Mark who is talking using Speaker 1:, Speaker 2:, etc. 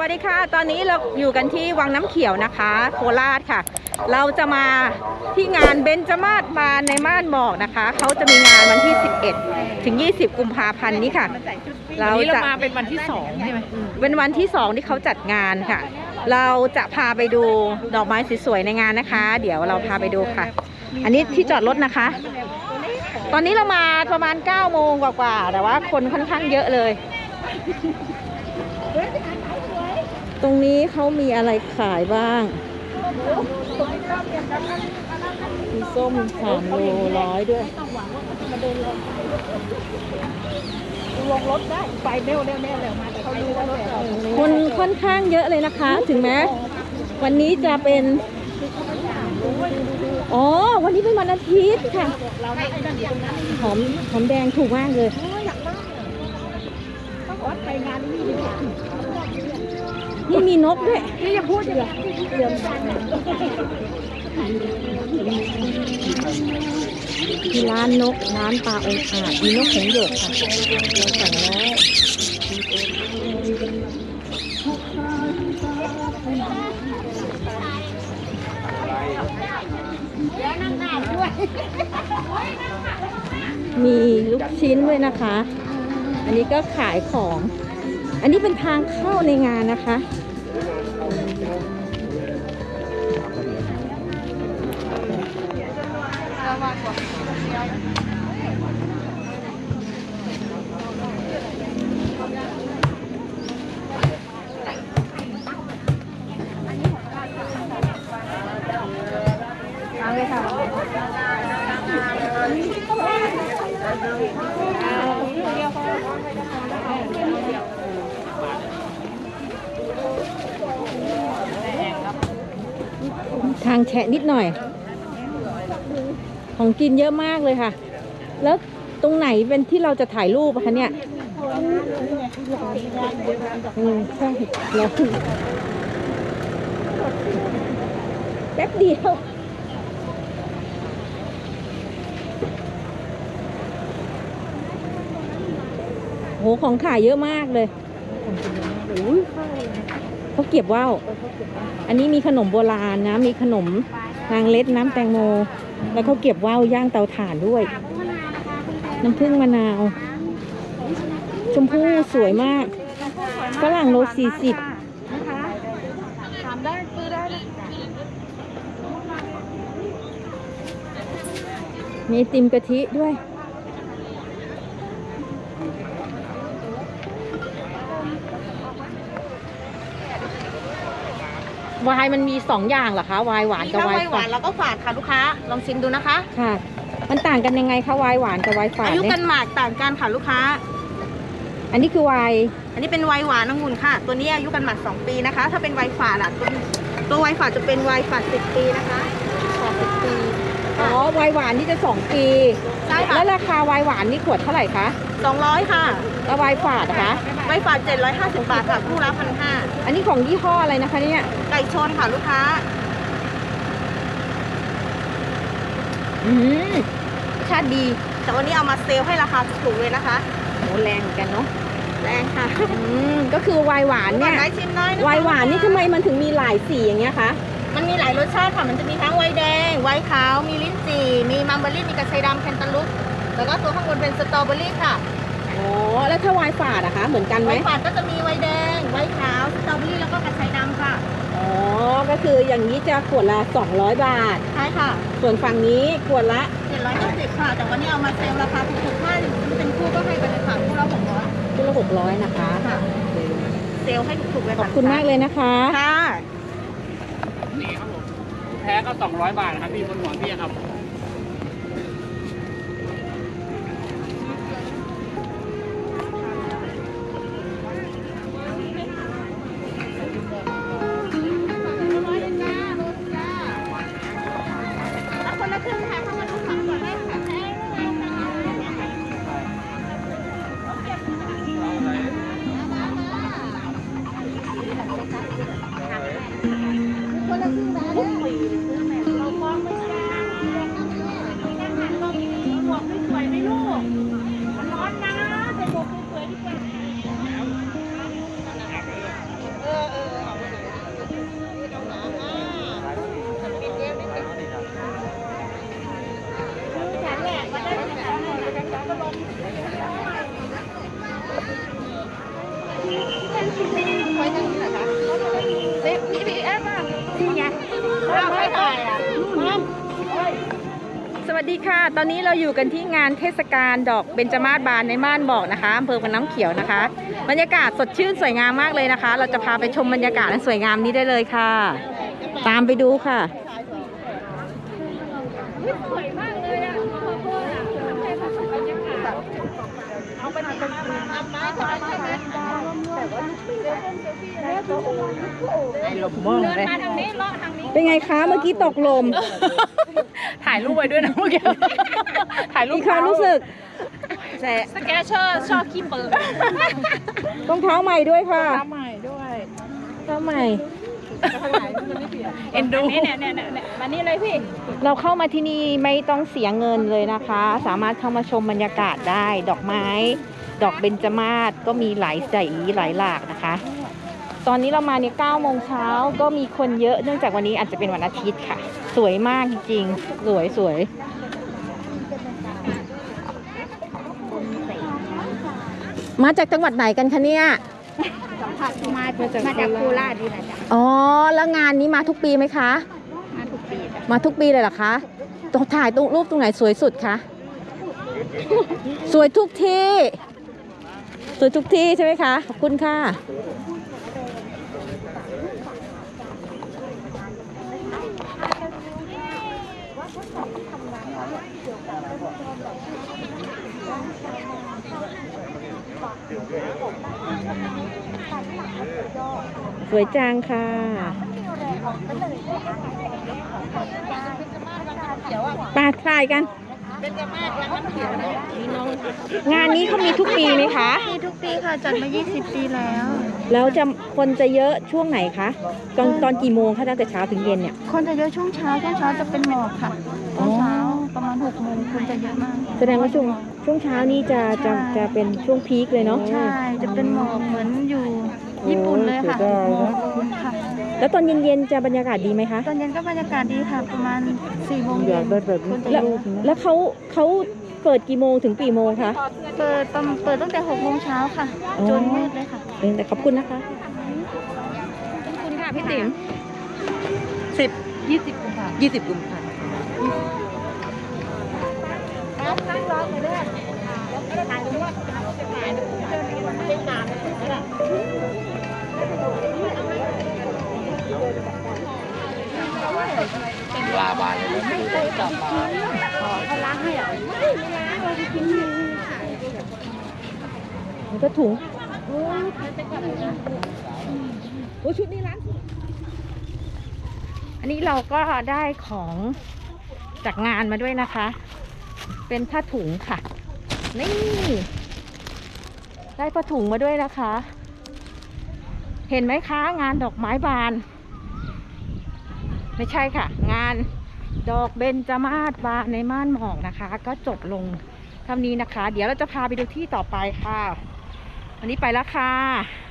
Speaker 1: วัสดีค่ะตอนนี้เราอยู่กันที่วังน้ำเขียวนะคะโคราชค่ะเราจะมาที่งานเบญจมาศมาในม่านหมอกนะคะเขาจะมีงานวันที่11ถึง20กุมภาพันธ์นี้ค่ะ
Speaker 2: เราจะมาเป็นวันที่2ใช่ไหม
Speaker 1: เป็นวันที่2ที่เขาจัดงานค่ะเราจะพาไปดูดอกไม้สวยๆในงานนะคะเดี๋ยวเราพาไปดูค่ะอันนี้ที่จอดรถนะคะตอนนี้เรามาประมาณ9โมงกว่าๆแต่ว่าคนค่อนข้างเยอะเลยตรงนี้เขามีอะไรขายบ้างมีส้ม3 โล 100ด้วย
Speaker 2: ลงรถได้ไปเร็วมาแต่เขารู้ว่ารถ
Speaker 1: คนค่อนข้างเยอะเลยนะคะถึงแม้วันนี้จะเป็นวันนี้เป็นวันอาทิตย์ค่ะหอมแดงถูกมากเลยนี่มีนกด้วย
Speaker 2: นี่อย่าพูดอย่างนี้เหลือมกัน
Speaker 1: มีร้านนกร้านปลาองอาจมีนกหงส์หยกค่ะเราสั่งแล้วมีลูกชิ้นด้วยนะคะอันนี้ก็ขายของอันนี้เป็นทางเข้าในงานนะคะทางแฉะนิดหน่อยของกินเยอะมากเลยค่ะแล้วตรงไหนเป็นที่เราจะถ่ายรูปคะเนี่ยใช่แล้วแป๊บเดียวโหของขายเยอะมากเลยเขาเก็บว่าวอันนี้มีขนมโบราณนะมีขนมนางเล็ดน้ำแตงโมแล้วเขาเก็บว่าวย่างเตาถ่านด้วยน้ำผึ้งมะนาวชมพู่สวยมากฝรั่งโล40
Speaker 2: ถามได้ซื้อได้เลย
Speaker 1: มีติมกะทิด้วยวายมันมี2อย่างเหรอคะวายหวานกับวายฝาด
Speaker 2: แล้วก็ฝาดค่ะลูกค้าลองชิมดูนะคะ
Speaker 1: ค่ะมันต่างกันยังไงคะวายหวานกับวายฝาด
Speaker 2: อายุกันหมากต่างกันค่ะลูกค้า
Speaker 1: อันนี้คือวาย
Speaker 2: อันนี้เป็นวายหวานองุ่นค่ะตัวนี้อายุกันหมาก2 ปีนะคะถ้าเป็นวายฝาดตัววายฝาดจะเป็นวายฝาด10 ปีนะคะ10 ปี
Speaker 1: วายหวานนี่จะ2 ปี
Speaker 2: ใช่ค่ะ
Speaker 1: แล้วราคาวายหวานนี่ขวดเท่าไหร่คะ
Speaker 2: 200ค่ะ
Speaker 1: แล้ววายฝาดนะคะ
Speaker 2: วายฝาด750 บาทค่ะคู่ละ1,500
Speaker 1: อันนี้ของยี่ห้ออะไรนะคะเนี่ย
Speaker 2: ไก่ชนค่ะลูกค้า
Speaker 1: ชาติดี
Speaker 2: แต่วันนี้เอามาเซลให้ราคาถูกเลยนะคะ
Speaker 1: โหแรงกันเนาะ
Speaker 2: แรงค่ะ
Speaker 1: ก็คือวายหวานเนี่ยวายหวานนี่ทำไมมันถึงมีหลายสีอย่างเงี้ยคะ
Speaker 2: มันมีหลายรสชาติค่ะมันจะมีทั้งไวน์แดงไวน์ขาวมีลิ้นจี่มีมัมเบอรี่มีกระชายดำแคนตาลูปแล้วก็ตัวข้างบนเป็นสตรอเบอรี่ค่ะ
Speaker 1: แล้วถ้าวายฝาดอะคะเหมือนกันไหม
Speaker 2: วายฝาดก็จะมีไวน์แดงไวน์ขาวสตรอเบอรี่แล้วก็กระชายดำค่ะ
Speaker 1: ก็คืออย่างนี้จะขวดละ200 บาท
Speaker 2: ใช่ค่ะ
Speaker 1: ส่วนฝั่งนี้ขวดละ
Speaker 2: 750ค่ะแต่วันนี้เอามาเซลราคาถูกๆถ้าเป็นคู่ก็ให้ไปเลยค่ะคู่ละ600
Speaker 1: นะคะ
Speaker 2: ค่ะเซลให้ถูกๆเลย
Speaker 1: ขอบคุณมากเลยนะคะ
Speaker 2: ค่ะ
Speaker 3: นี่ครับผมแพ้ก็200 บาทครับพี่บนหัวพี่ครับ
Speaker 2: คนละครึ่งค่ะเข้ามาทุกฝั่งก่อนได้ค่ะคนละครึ่งนะเรามองไม่ได้หมวกไม่สวยไม่ลูกมันร้อนนะใส่หมวกสวยๆดีกว่า
Speaker 1: สวัสดีค่ะ ตอนนี้เราอยู่กันที่งานเทศกาลดอกเบญจมาศบานในม่านบอกนะคะอำเภอพนน้ำเขียวนะคะ บรรยากาศสดชื่นสวยงามมากเลยนะคะ เราจะพาไปชมบรรยากาศอันสวยงามนี้ได้เลยค่ะ ตามไปดูค่ะ เป็นไงคะเมื่อกี้ตกลม
Speaker 4: ถ่ายรูปไว้ด้วยนะเมื่อกี้ ถ่ายรูป
Speaker 1: มีความรู้สึก
Speaker 4: สแกชเชอร์ชอบขี้เปิด
Speaker 1: ต้องเท้าใหม่ด้วยค่ะ
Speaker 4: ทำใหม่ด้วย
Speaker 1: เท้าใหม่
Speaker 4: เอ็นดูเนี่ยมานี่เลยพี่
Speaker 1: เราเข้ามาที่นี่ไม่ต้องเสียเงินเลยนะคะ สามารถเข้ามาชมบรรยากาศได้ ดอกไม้ ดอกเบญจมาศก็มีหลายสีหลายหลากนะคะ ตอนนี้เรามาเนี่ย9 โมงเช้าก็มีคนเยอะเนื่องจากวันนี้อาจจะเป็นวันอาทิตย์ค่ะ สวยมากจริงๆสวยมาจากจังหวัดไหนกันคะเนี่ย
Speaker 2: สัมผัสมาจากโคราชนี่แหละจ้ะ
Speaker 1: อ๋อแล้วงานนี้มาทุกปีไหมคะ
Speaker 2: มาทุกปีจ้ะ
Speaker 1: มาทุกปีเลยเหรอคะต้องถ่ายตรงรูปตรงไหนสวยสุดคะ สวยทุกที่ สวยทุกที่ใช่ไหมคะ ขอบคุณค่ะ สวยจังค่ะ ปาถ่ายกัน งานนี้เขามีทุกปีไหมคะ
Speaker 2: มีทุกปีค่ะจัดมา20 ปีแล้ว
Speaker 1: แล้วคนจะเยอะช่วงไหนคะตอนกี่โมงคะตั้งแต่เช้าถึงเย็นเนี่ย
Speaker 2: คนจะเยอะช่วงเช้าจะเป็นหมอกค่ะตอนเช้าประมาณ6 โมงคนจะเยอะมาก
Speaker 1: แสดงว่าช่วงเช้านี้จะเป็นช่วงพีคเลยเนาะ
Speaker 2: ใช่จะเป็นหมอกเหมือนอยู่ญี่ปุ่นเลยค่ะหมอกค่ะ
Speaker 1: แล้วตอนเย็นๆจะบรรยากาศดีไหมคะ
Speaker 2: ตอนเย็นก็บรรยากาศดีค่ะ ประมาณ4 โมงเย็นคนจะ
Speaker 1: แล้ว
Speaker 2: เยอะ
Speaker 1: แล้วเขาเปิดกี่โมงถึงกี่โมงคะ
Speaker 2: เปิดตั้งแต่6 โมงเช้าค่ะ จนมืดเลยค่ะ
Speaker 1: แต่ขอบคุณนะคะขอบคุณค่ะพี่ติ๋ม
Speaker 4: 20 กุมภาพันธ์
Speaker 1: 20 กุมภาพันธ์
Speaker 3: ลาบานเลยนะ
Speaker 1: แล้วก็ถุงโอ้ชุดนี้ร้านอันนี้เราก็ได้ของจากงานมาด้วยนะคะ เป็นผ้าถุงค่ะ นี่ ได้ผ้าถุงมาด้วยนะคะ เห็นไหมคะงานดอกไม้บาน ไม่ใช่ค่ะ งานดอกเบญจมาศบานในม่านหมอกนะคะ ก็จบลงเท่านี้นะคะ เดี๋ยวเราจะพาไปดูที่ต่อไปค่ะ วันนี้ไปแล้วค่ะ